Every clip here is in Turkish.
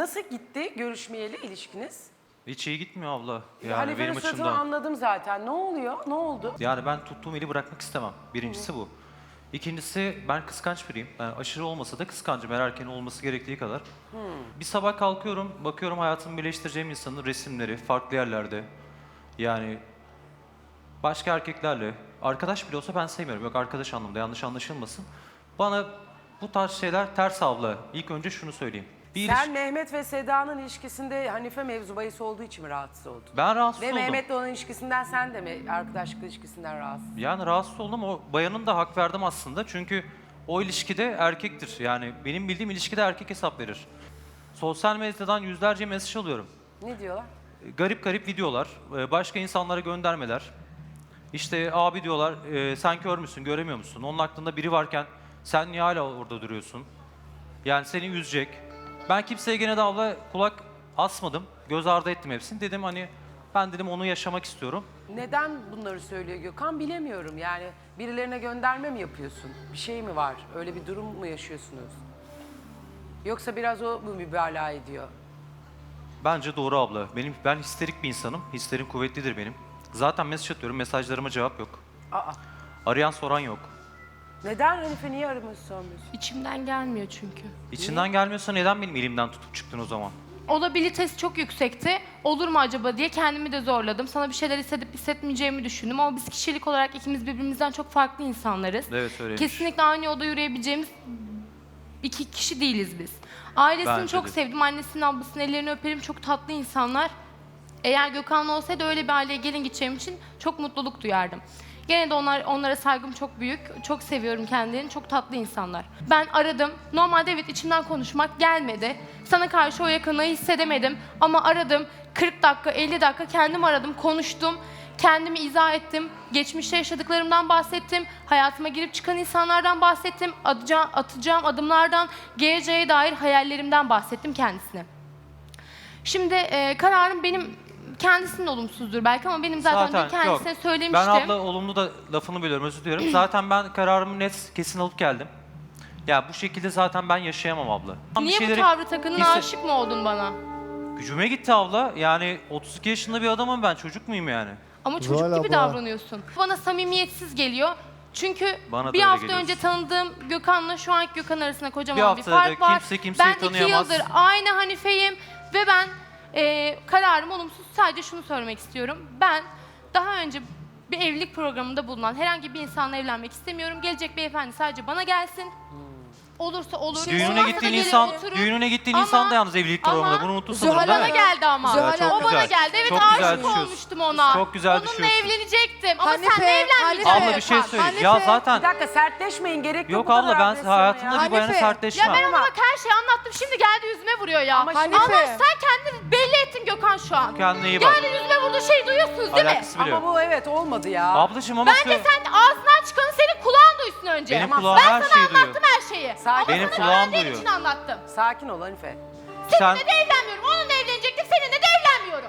Nasıl gitti görüşmeyeli ilişkiniz? Hiç iyi gitmiyor abla. Yani Hanife'nin benim suratını açımdan. anladım zaten. Ne oluyor? Ne oldu? Yani ben tuttuğum eli bırakmak istemem. Birincisi bu. İkincisi ben kıskanç biriyim. Yani aşırı olmasa da kıskancım. Her erkeğin olması gerektiği kadar. Bir sabah kalkıyorum, bakıyorum hayatımı birleştireceğim insanın resimleri farklı yerlerde. Yani başka erkeklerle. Arkadaş bile olsa ben sevmiyorum. Yok arkadaş anlamda yanlış anlaşılmasın. Bana bu tarz şeyler ters abla. İlk önce şunu söyleyeyim. Bir Sen Mehmet ve Seda'nın ilişkisinde Hanife mevzu bahis olduğu için mi rahatsız oldun? Ben rahatsız Ve oldum. Mehmet'le olan ilişkisinden sen de mi arkadaşlık ilişkisinden rahatsız? Yani rahatsız oldum. O bayanın da hak verdim aslında. Çünkü o ilişkide erkektir. Yani benim bildiğim ilişkide erkek hesap verir. Sosyal medyadan yüzlerce mesaj alıyorum. Ne diyorlar? Garip garip videolar, başka insanlara göndermeler. İşte abi diyorlar, sen kör müsün, göremiyor musun? Onun aklında biri varken sen niye hala orada duruyorsun? Yani seni üzecek. Ben kimseye gene de abla kulak asmadım. Göz ardı ettim hepsini. Dedim hani ben dedim onu yaşamak istiyorum. Neden bunları söylüyor Gökhan bilemiyorum. Yani birilerine gönderme mi yapıyorsun? Bir şey mi var? Öyle bir durum mu yaşıyorsunuz? Yoksa biraz o mu mübalağa ediyor? Bence doğru abla. Ben histerik bir insanım. Hislerim kuvvetlidir benim. Zaten mesaj atıyorum, mesajlarıma cevap yok. Aa, Arayan soran yok. neden Hanife niye aramıyorsun sormuyorsun? İçimden gelmiyor çünkü. İçinden gelmiyorsa neden benim elimden tutup çıktın o zaman? Olabilitesi çok yüksekti. Olur mu acaba diye kendimi de zorladım. Sana bir şeyler hissedip hissetmeyeceğimi düşündüm ama biz kişilik olarak ikimiz birbirimizden çok farklı insanlarız. Evet öyleymiş. Kesinlikle aynı yolda yürüyebileceğimiz iki kişi değiliz biz. Ailesini Bence çok de. sevdim. Annesinin, ablasının ellerini öperim. Çok tatlı insanlar. Eğer Gökhan'la olsaydı öyle bir aileye gelin gideceğim için çok mutluluk duyardım. Gene de onlara saygım çok büyük. Çok seviyorum kendilerini. Çok tatlı insanlar. Ben aradım. Normalde evet içimden konuşmak gelmedi. Sana karşı o yakınlığı hissedemedim. Ama aradım. 40 dakika, 50 dakika kendim aradım, konuştum. Kendimi izah ettim. Geçmişte yaşadıklarımdan bahsettim. Hayatıma girip çıkan insanlardan bahsettim. Atacağım adımlardan, geleceğe dair hayallerimden bahsettim kendisine. Şimdi kararım benim kendisinin olumsuzdur belki ama benim zaten dün kendisine yok. söylemiştim. Ben abla olumlu da lafını bölüyorum, özür diliyorum. Zaten ben kararımı net, kesin alıp geldim. Ya bu şekilde zaten ben yaşayamam abla. Niye Bir şeyleri bu tavrı takındın, aşık mı oldun bana? Gücüme gitti abla. Yani 32 yaşında bir adamım ben, çocuk muyum yani? Ama çocuk Zuhal gibi abla. davranıyorsun. Bana samimiyetsiz geliyor. Çünkü Bana da bir öyle hafta geliyorsun. önce tanıdığım Gökhan'la şu anki Gökhan arasında Bir kocaman bir haftada fark var. kimse kimseyi Ben 2 tanıyamaz. yıldır aynı Hanife'yim ve ben kararım olumsuz. Sadece şunu söylemek istiyorum. Ben daha önce bir evlilik programında bulunan herhangi bir insanla evlenmek istemiyorum. Gelecek beyefendi sadece bana gelsin. Olursa olur. Düğününe olmazsa da gittiğin gelir insan, oturur. düğününe gittiğin Ama- insan da yalnız evlilik programında. ama Bunu unuttun sanırım Zuhal değil Bana mi? geldi ama. Zuhal çok O bana güzel. geldi. Evet Çok güzel aşık düşüyorsun. olmuştum ona. Çok güzel Onunla düşüyorsun. evlenecektim ama Hanife, seninle evlenmeyecektim. Hanife. Abla bir şey Gökhan. söyleyeyim. Hanife. Ya zaten Bir dakika sertleşmeyin gerek yok. yok bu kadar abla ben agresyona hayatımda ya. bir bayana Hanife. sertleşmem. Ya ben ona bak her şeyi anlattım. Şimdi geldi yüzüme vuruyor ya. Ama Ama, şimdi- Hanife. sen kendini belli ettin Gökhan şu an. Kendine iyi bak. Geldi yüzüme vurduğu şeyi duyuyorsunuz değil mi? Alakası bile Ama yok. bu evet olmadı ya. Ablacığım ama Bence sen ağzından çıkanı senin kulağın duysun önce. Benim Ama kulağım ben her sana şeyi duyuyor. anlattım her şeyi. Sakin Benim ol. Sana kulağım öğrendiğim duyuyor. için anlattım. Sakin ol Hanife. sen Seninle de evlenmiyorum. Onunla evlenecektim. Seninle de evlenmiyorum.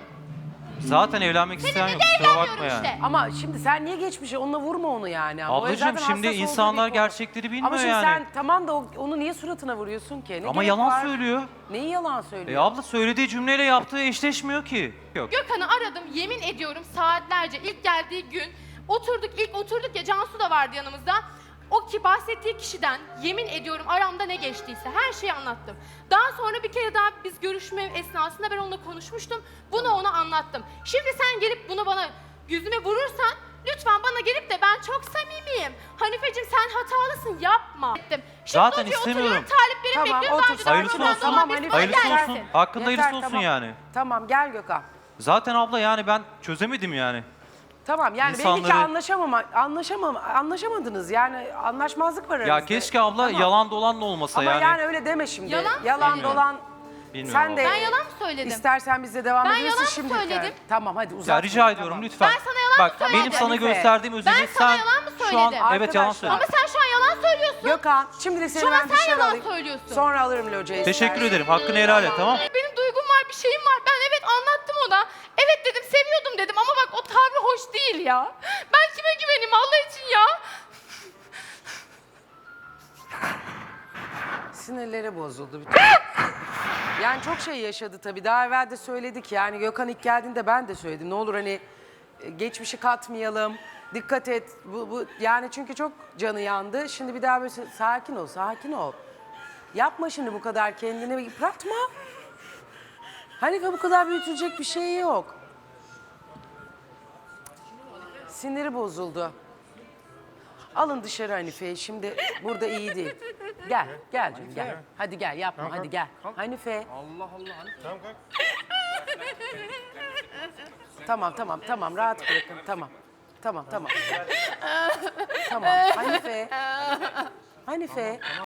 zaten evlenmek isteyen Seninle yok. de Kusura bakma evlenmiyorum yani. işte. Ama şimdi sen niye geçmişe onunla vurma onu yani. Ama o Ablacığım zaten şimdi hassas olduğu insanlar bir konu. gerçekleri bilmiyor Ama şimdi yani. sen tamam da onu niye suratına vuruyorsun ki? Ne Ama gerek yalan var? söylüyor. Neyi yalan söylüyor? Abla söylediği cümleyle yaptığı eşleşmiyor ki. Yok. Gökhan'ı aradım. Yemin ediyorum saatlerce ilk geldiği gün ilk oturduk ya Cansu da vardı yanımızda. O ki bahsettiği kişiden yemin ediyorum aramda ne geçtiyse her şeyi anlattım. Daha sonra bir kere daha biz görüşme esnasında ben onunla konuşmuştum. Bunu ona anlattım. Şimdi sen gelip bunu bana yüzüme vurursan lütfen bana gelip de ben çok samimiyim. Hanifeciğim sen hatalısın yapma. Şimdi Zaten oturuyor, istemiyorum. taliplerim Tamam, bekliyorum. otur, Daha önce Hayırlısı daha olsun. önce Tamam, bir Hanife, bana Hayırlısı gelsin. olsun. Hakkında Yeter, hayırlısı olsun tamam. yani. Tamam gel Gökhan. Zaten abla yani ben çözemedim yani. Tamam yani belli ki İnsanları- anlaşamadınız yani anlaşmazlık var aranızda. Ya keşke abla Tamam. yalan dolan da olmasa Ama yani. yani öyle deme şimdi. Yalan mı Yalan söyledin? dolan. Bilmiyorum Sen de Ben yalan mı söyledim? istersen bizle devam Ben edebilirsin yalan mı şimdi. söyledim? Tamam hadi uzatma. Ya rica ediyorum Tamam. lütfen. Ben sana yalan mı Bak söyledim? benim sana Hanife. gösterdiğim özeni Ben sana sen yalan mı şu an söyledim? evet yalan Arkadaşlar. söyledin. Ama sen şu an yalan söylüyorsun. Gökhan şimdi seni Şu an ben sen dışarı yalan alayım. söylüyorsun. Sonra alırım locayı. Teşekkür istersen. ederim. Hakkını helal et tamam. Benim duygum var, bir şeyim var. Ben evet anlattım ona. Evet dedim, seviyordum dedim ama bak o tavrı hoş değil ya. Ben kime güveneyim Allah için ya? Sinirleri bozuldu. Bütün. Yani çok şey yaşadı tabii. Daha evvel de söyledik yani Gökhan ilk geldiğinde ben de söyledim. Ne olur hani geçmişi katmayalım. Dikkat et. Bu yani çünkü çok canı yandı. Şimdi bir daha böyle sakin ol, sakin ol. Yapma şimdi bu kadar kendini yıpratma. Hanife bu kadar büyütülecek bir şey yok. Siniri bozuldu. Alın dışarı Hanife'yi. Şimdi burada iyi değil. Gel, gel canım gel. Hadi gel yapma hadi gel. Hanife. Allah Allah. Tamam kalk. Tamam rahat bırakın tamam. Tamam. Tamam Hanife. Hanife.